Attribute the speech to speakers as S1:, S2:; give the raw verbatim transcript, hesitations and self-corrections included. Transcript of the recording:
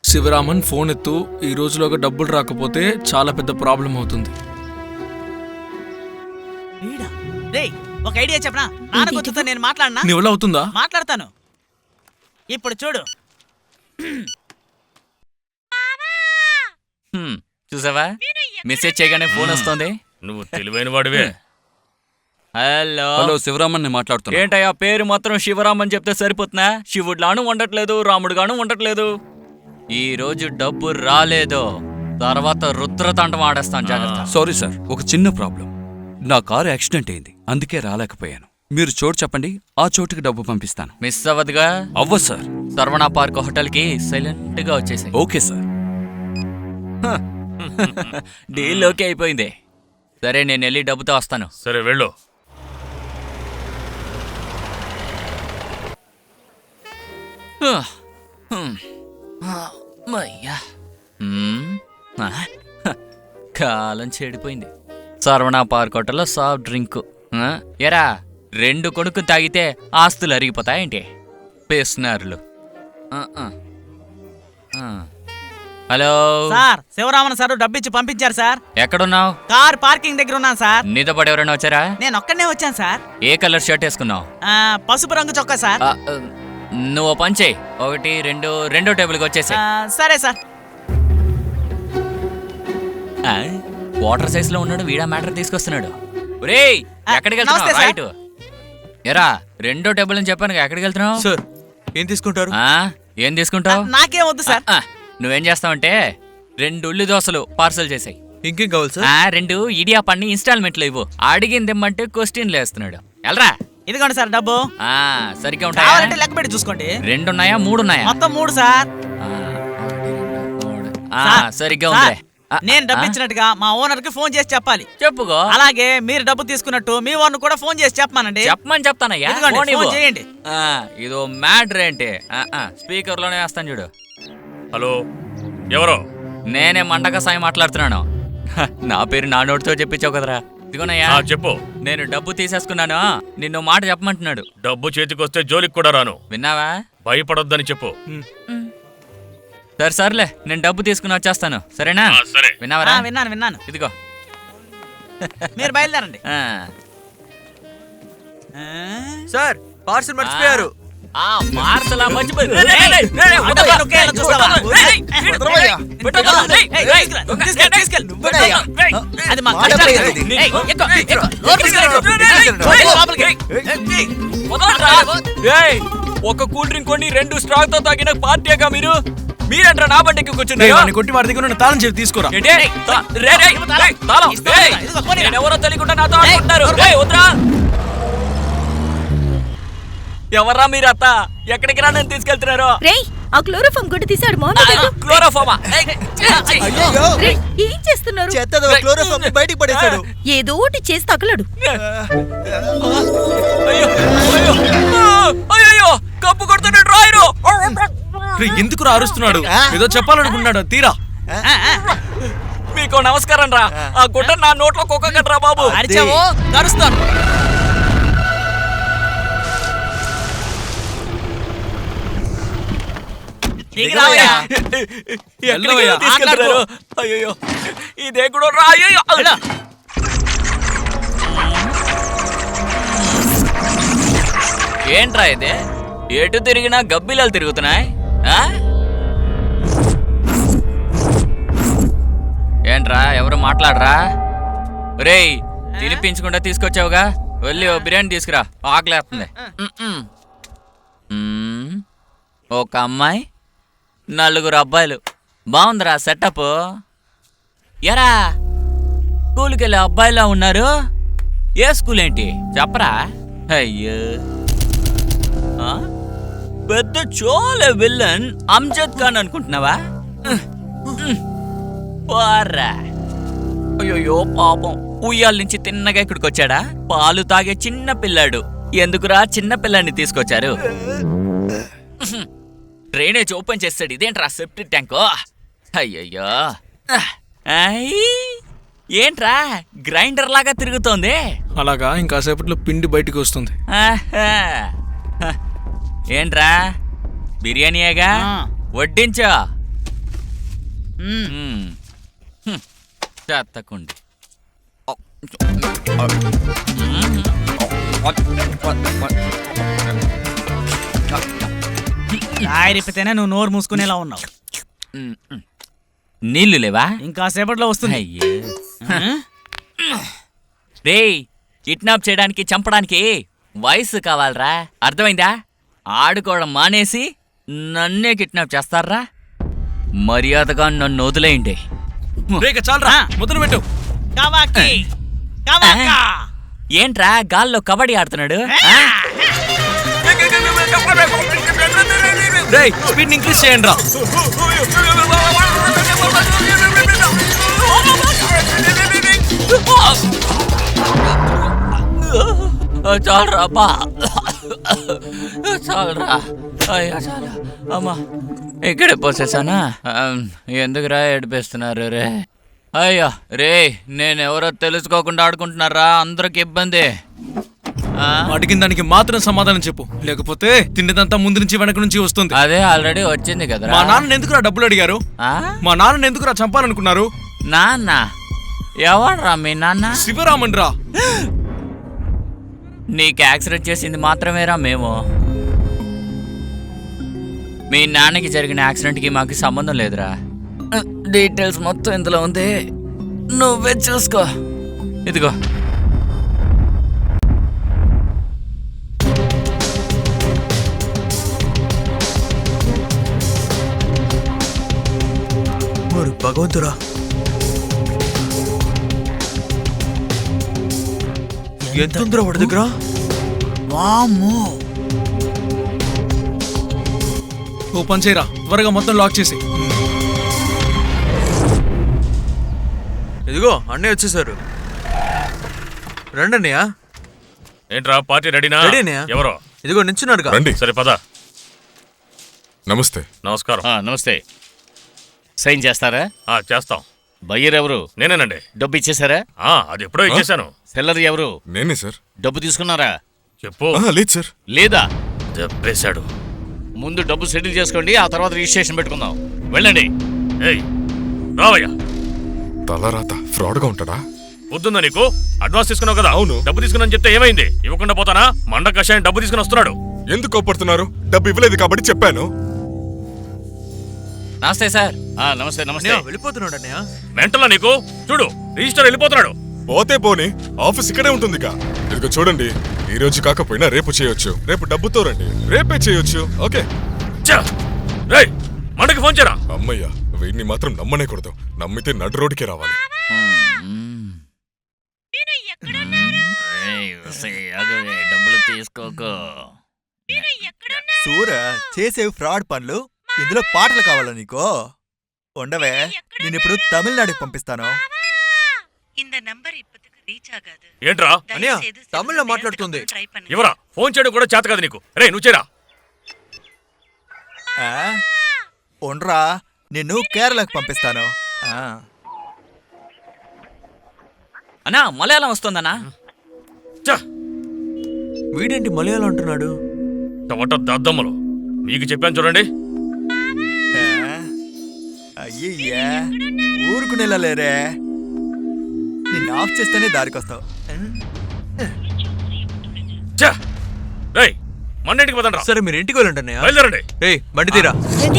S1: Sivaraman phone ఎత్తు. ఈ రోజులోగా డబ్బులు రాకపోతే చాలా పెద్ద ప్రాబ్లం అవుతుంది.
S2: ఒక ఐడియా చెప్పనా? నాన్నకొచ్చుతో నేను మాట్లాడనా?
S1: నీ వల్ల అవుతుందా?
S2: మాట్లాడతాను. ఇప్పుడు చూడు.
S3: చూసావా, మెసేజ్ చేయగానే ఫోన్ వస్తుంది.
S4: నువ్వు తెలివైన వాడివే.
S3: హలో
S5: హలో శివరామన్ ని మాట్లాడుతున్నా.
S3: ఏంటయ్యా పేరు మాత్రం శివరామన్ చెప్తే సరిపోతున్నా? శివుడులాను ఉండట్లేదు, రాముడుగాను ఉండట్లేదు. ఈ రోజు డబ్బు రాలేదు, తర్వాత రుద్రతాండం ఆడేస్తాను, జాగ్రత్త.
S5: సారీ సార్, ఒక చిన్న ప్రాబ్లం. నా కారు యాక్సిడెంట్ అయింది, అందుకే రాలేకపోయాను. మీరు చోటు చెప్పండి, ఆ చోటుకి డబ్బు పంపిస్తాను.
S3: మిస్ అవ్వదుగా?
S5: అవ్వ సార్.
S3: సర్వణ పార్క్ హోటల్ కి సైలెంట్ గా వచ్చేసాయి.
S5: Okay sir.
S3: డీల్ ఓకే అయిపోయింది. సరే, నేను వెళ్ళి డబ్బుతో వస్తాను.
S4: సరే వెళ్ళు.
S3: కాలం చెడిపోయింది. సర్వణ పార్క్ హోటల్లో సాఫ్ట్ డ్రింక్. ఎరా, రెండు కొడుకు తాగితే ఆస్తులు అరిగిపోతాయేంటి? పేస్నారులు. హలో
S2: సార్, శివరామన్ సార్ డబ్బిచ్చి పంపించారు సార్.
S3: ఎక్కడున్నావు?
S2: కార్ పార్కింగ్ దగ్గర ఉన్నాను సార్.
S3: నీతో పాటు ఎవరైనా వచ్చారా?
S2: నేను ఒక్కడనే వచ్చాను సార్.
S3: ఏ కలర్ షర్ట్ వేసుకున్నావు?
S2: పసుపు రంగు చొక్కా సార్.
S3: నువ్వు పని చేయి, ఒకటి రెండు రెండో టేబుల్కి వచ్చేసి.
S2: సరే సార్.
S3: వాటర్ సైజ్ లో ఉన్నాడు, వీడా మ్యాటర్ తీసుకొస్తున్నాడు. ఒరేయ్, ఎక్కడికి వెళ్తున్నావు? రైట్. ఎరా, రెండో టేబుల్ అని చెప్పాను, ఎక్కడికి వెళ్తున్నావు?
S6: సార్, ఏం తీసుకుంటారు?
S3: ఏం తీసుకుంటావు?
S2: నాకేం వద్దు సార్.
S3: నువ్వేం చేస్తావంటే రెండు ఉల్లి దోశలు పార్సల్ చేసాయి.
S6: ఇంకేం కావాలి సార్?
S3: రెండు ఇడియా పన్ని ఇన్స్టాల్మెంట్లు ఇవ్వు. అడిగింది ఇమ్మంటే క్వశ్చన్లు వేస్తున్నాడు. ఎల్రా.
S2: ఇదిగోండి సార్ డబ్బు.
S3: సరిగ్గా ఉంటాయి.
S2: లెక్క పెట్టి చూసుకోండి.
S3: రెండు ఉన్నాయా మూడు ఉన్నాయా?
S2: మొత్తం మూడు సార్.
S3: సరిగ్గా ఉంది.
S2: నేను డబ్బు ఇచ్చినట్టుగా మా ఓనర్ కి ఫోన్ చేసి చెప్పాలి.
S3: చెప్పుకో.
S2: అలాగే మీరు డబ్బు తీసుకున్నట్టు మీ ఓనర్ కూడా ఫోన్ చేసి చెప్పమానండి.
S3: చెప్పమని చెప్తానయ్యా.
S2: ఫోన్ చేయండి.
S3: ఇదో మ్యాటర్ ఏంటి? స్పీకర్ లోనే వేస్తాను చూడు.
S4: హలో, ఎవరో?
S3: నేనే మండక సాయి మాట్లాడుతున్నాను. నా పేరు నా నోటితో చెప్పించావు కదరా. ఇదిగోనయ్యా
S4: చెప్పు.
S3: నేను డబ్బు తీసేసుకున్నాను, నిన్ను మాట చెప్పమంటున్నాడు.
S4: డబ్బు చేతికొస్తే జోలికి కూడా రాను.
S3: విన్నావా?
S4: భయపడొద్దని చెప్పు.
S3: సరే సర్లే, నేను డబ్బు తీసుకుని వచ్చేస్తాను, సరేనా?
S4: సరే.
S3: విన్నావరా?
S2: విన్నాను విన్నాను.
S3: ఇదిగో,
S2: మీరు బయలుదేరండి.
S6: సార్, పార్సల్ మర్చిపోయారు.
S3: పార్సల్ మర్చిపోయి ఒక కూల్ డ్రింక్ కొని రెండు స్ట్రాక్ తో తాగిన పార్టీగా మీరు మీరంటారా నా బండికి కూర్చున్నారు?
S1: కొట్టి వాడి దగ్గర తాళం చెప్పి తీసుకురా.
S3: ఎవరో తెలియకుండా నాతో ఆడుకుంటున్నారు. ఎవర్రా మీరు? అత్త, ఎక్కడికి రా నన్ను తీసుకెళ్తున్నారు?
S7: ఆ క్లోరోఫామ్ గుడ్డ తీసాడు.
S3: క్లోరోఫామా?
S7: ఏం చేస్తున్నారు?
S6: క్లోరోఫామ్ బయటికి పడేశాడు.
S7: ఏదో ఒకటి చేసి తగలడు.
S3: అయ్యో, కప్పు కొడుతున్నాడు రాయరు.
S1: ఎందుకు అరుస్తున్నాడు? ఏదో చెప్పాలనుకున్నాడు. తీరా.
S3: మీకు నమస్కారం రా. ఆ గుడ్డ నా నోట్లో కుక్కగట్రా బాబు.
S2: అరిచావో కరుస్తాను.
S3: అయ్యో, ఇదే కూడా రా. అయ్యో, ఏంట్రా ఇదే? ఎటు తిరిగినా గబ్బిలాలు తిరుగుతున్నాయి. ఏంట్రా, ఎవరు మాట్లాడరా? రేయ్, తినిపించకుండా తీసుకొచ్చావుగా, వెళ్ళి ఓ బిర్యానీ తీసుకురా, ఆకలేస్తుంది. ఒక అమ్మాయి, నలుగురు అబ్బాయిలు. బాగుందిరా సెటప్. ఎరా, స్కూల్కి వెళ్ళే అబ్బాయిలా ఉన్నారు. ఏ స్కూల్ ఏంటి చెప్పరా? అయ్యో, పెద్ద చోలే విల్లన్ అమ్జద్ ఖాన్ అనుకుంటున్నావా? అయ్యో పాపం, ఉయ్యాల నుంచి తిన్నగా ఇక్కడికి వచ్చాడా? పాలు తాగే చిన్న పిల్లాడు. ఎందుకురా చిన్న పిల్లాన్ని తీసుకొచ్చారు? డ్రైనేజ్ ఓపెన్ చేస్తాడు. ఇదేంట్రా సెప్టిక్ ట్యాంకు? అయ్యయ్యో, ఏంట్రా గ్రైండర్ లాగా తిరుగుతోంది?
S1: అలాగా, ఇంకాసేపట్లో పిండి బయటికి వస్తుంది.
S3: ఏంట్రా బిర్యానీయేగా, వడ్డించో.
S2: మ్మ్.
S3: చెత్తకుండి
S2: రాయిరిపితేనే నువ్వు నోరు మూసుకునేలా ఉన్నావు.
S3: నీళ్లు లేవా?
S2: ఇంకా సేపట్లో వస్తుంది.
S3: అయ్యే రేయ్, కిడ్నాప్ చేయడానికి చంపడానికి వయసు కావాలరా, అర్థమైందా? ఆడుకోవడం మానేసి నన్నే కిడ్నాప్ చేస్తారా? మర్యాదగా నన్ను వదిలేయండి.
S1: రేక చాలరా, మొదలు పెట్టు.
S2: కవాకి, కవాకా.
S3: ఏంట్రా గాల్లో కబడ్డీ ఆడుతున్నాడు?
S1: రేయ్, స్పీడ్ ఇంక్రీజ్ చేయండి రా.
S3: చాలరా బా, చాలరా. అయ్యా చాలా అమ్మా, ఇక్కడే పోసేసానా? ఎందుకురా ఏడిపిస్తున్నారు రే? అయ్యా రే, నేనెవరో తెలుసుకోకుండా ఆడుకుంటున్నారా? అందరికి ఇబ్బంది.
S1: అడిగిన దానికి మాత్రం సమాధానం చెప్పు, లేకపోతే తిండిదంతా ముందు నుంచి వెనక నుంచి వస్తుంది.
S3: అదే ఆల్రెడీ వచ్చింది కదా.
S1: మా నాన్న ఎందుకురా డబ్బులు అడిగారు? మా నాన్న ఎందుకురా చంపాలనుకున్నారు?
S3: నాన్న ఎవడ్రా మీ నాన్న?
S1: శివరామన్ రా.
S3: నీకు యాక్సిడెంట్ చేసింది మాత్రమేరా మేము. మీ నాన్నకి జరిగిన యాక్సిడెంట్కి మాకు సంబంధం లేదురా. డీటెయిల్స్ మొత్తం ఇందులో ఉంది, నువ్వే చూసుకో. ఇదిగో.
S6: మరి భగవంతురా, ఎంత ఉందిరా వాడి దగ్గర?
S2: వామ్మో.
S1: ఓ పని చేయరా, త్వరగా మొత్తం లాక్ చేసి.
S6: ఇదిగో అన్నయ్య వచ్చేసారు. రండి అన్నయ్య.
S4: ఏంట్రా పార్టీ రెడీనా?
S6: రెడీ అన్నయ్య.
S4: ఎవరో
S6: ఇదిగో నించున్నారుగా.
S8: రండి.
S4: సరే పద.
S8: నమస్తే.
S4: నమస్కారం.
S9: ఆ, నమస్తే. సైన్ చేస్తారా?
S4: ఆ, చేస్తాం.
S9: బయ్యర్ ఎవరు?
S4: నేనేనండి.
S9: డబ్బు ఇచ్చేసారా?
S4: ఆ, అది ఎప్పుడో ఇచ్చేశాను.
S9: సెల్లర్ ఎవరు?
S8: నేనే సార్.
S9: డబ్బు తీసుకున్నారా?
S4: చెప్పు.
S8: ఆహా, లేదు సార్.
S9: లేదా?
S4: దెబ్బేశాడు.
S9: ముందు డబ్బు సెటిల్ చేసుకోండి, ఆ తర్వాత రిజిస్ట్రేషన్ పెట్టుకుందాం. వెళ్ళండి.
S4: ఏయ్ రావయ్యా.
S8: తలరాత ఫ్రాడ్ గా ఉంటాడా?
S4: పొద్దుందా నీకు? అడ్వాన్స్ తీసుకున్నావు కదా?
S8: అవును.
S4: డబ్బు తీసుకున్నా చెప్తే ఏమైంది? ఇవ్వకుండా పోతానా? మండ కషాయం డబ్బు తీసుకుని వస్తున్నాడు.
S8: ఎందుకు కోపడుతున్నారు? డబ్బు ఇవ్వలేదు కాబట్టి చెప్పాను.
S3: నమస్తే సార్.
S9: ఆ, నమస్తే నమస్తే.
S6: అన్నయ్య వెళ్ళిపోతున్నాడు అన్నయ్య.
S4: మెంటలా నీకు? చూడు, రిజిస్టర్ వెళ్ళిపోతున్నాడు.
S8: పోతే పోని, ఆఫీస్ ఇక్కడే ఉంటుందిగా. ఇదిగో చూడండి, ఈ రోజు కాకపోయినా రేపు చేయొచ్చు. రేపు డబ్బుతో రండి, రేపే చేయొచ్చు. ఓకే.
S4: ఛ! రేయ్, మండకి ఫోన్ చేయరా.
S8: అమ్మయ్యా, వీడిని మాత్రం నమ్మనేకూడదు. నమ్మితే నడు రోడ్డుకే రావాలి.
S3: ఏయ్, ఉసయ్, ఆగవే, డబ్బులు తీసుకోకు.
S10: సూర చేసేవి ఫ్రాడ్ పనులు, ఇందులో పాటలు కావాలా నీకో? ఉండవే, నేను ఇప్పుడు తమిళనాడుకి పంపిస్తాను.
S4: ఏంట్రా?
S6: అన్నయ్య తమిళ్లో మాట్లాడుతుంది.
S4: ఎవరా? ఫోన్ చేయడం కూడా చేత కదా నీకు? రే నువ్వు చేయరా.
S10: ఆ? ఉండ్రా, నిన్ను కేరళకు పంపిస్తాను. ఆ.
S3: అన్నా మలయాళం వస్తుందన్నా?
S4: ఛ!
S6: వీడేంటి మలయాళం అంటున్నాడు?
S4: టమాటా దద్దమ్మలు మీకు చెప్పాను చూడండి.
S10: ఆ? అయ్యయ్యా, ఊరుకునేలా లేరే. నిన్ను ఆఫ్ చేస్తేనే దారికొస్తావు.
S4: ఛ! రేయ్, మండింటికి పదండ్రా.
S6: సరే మీరు ఇంటికి వెళ్ళండి అన్నయ్య.
S4: బయలుదేరండి.
S6: ఏయ్ బండి తీరా.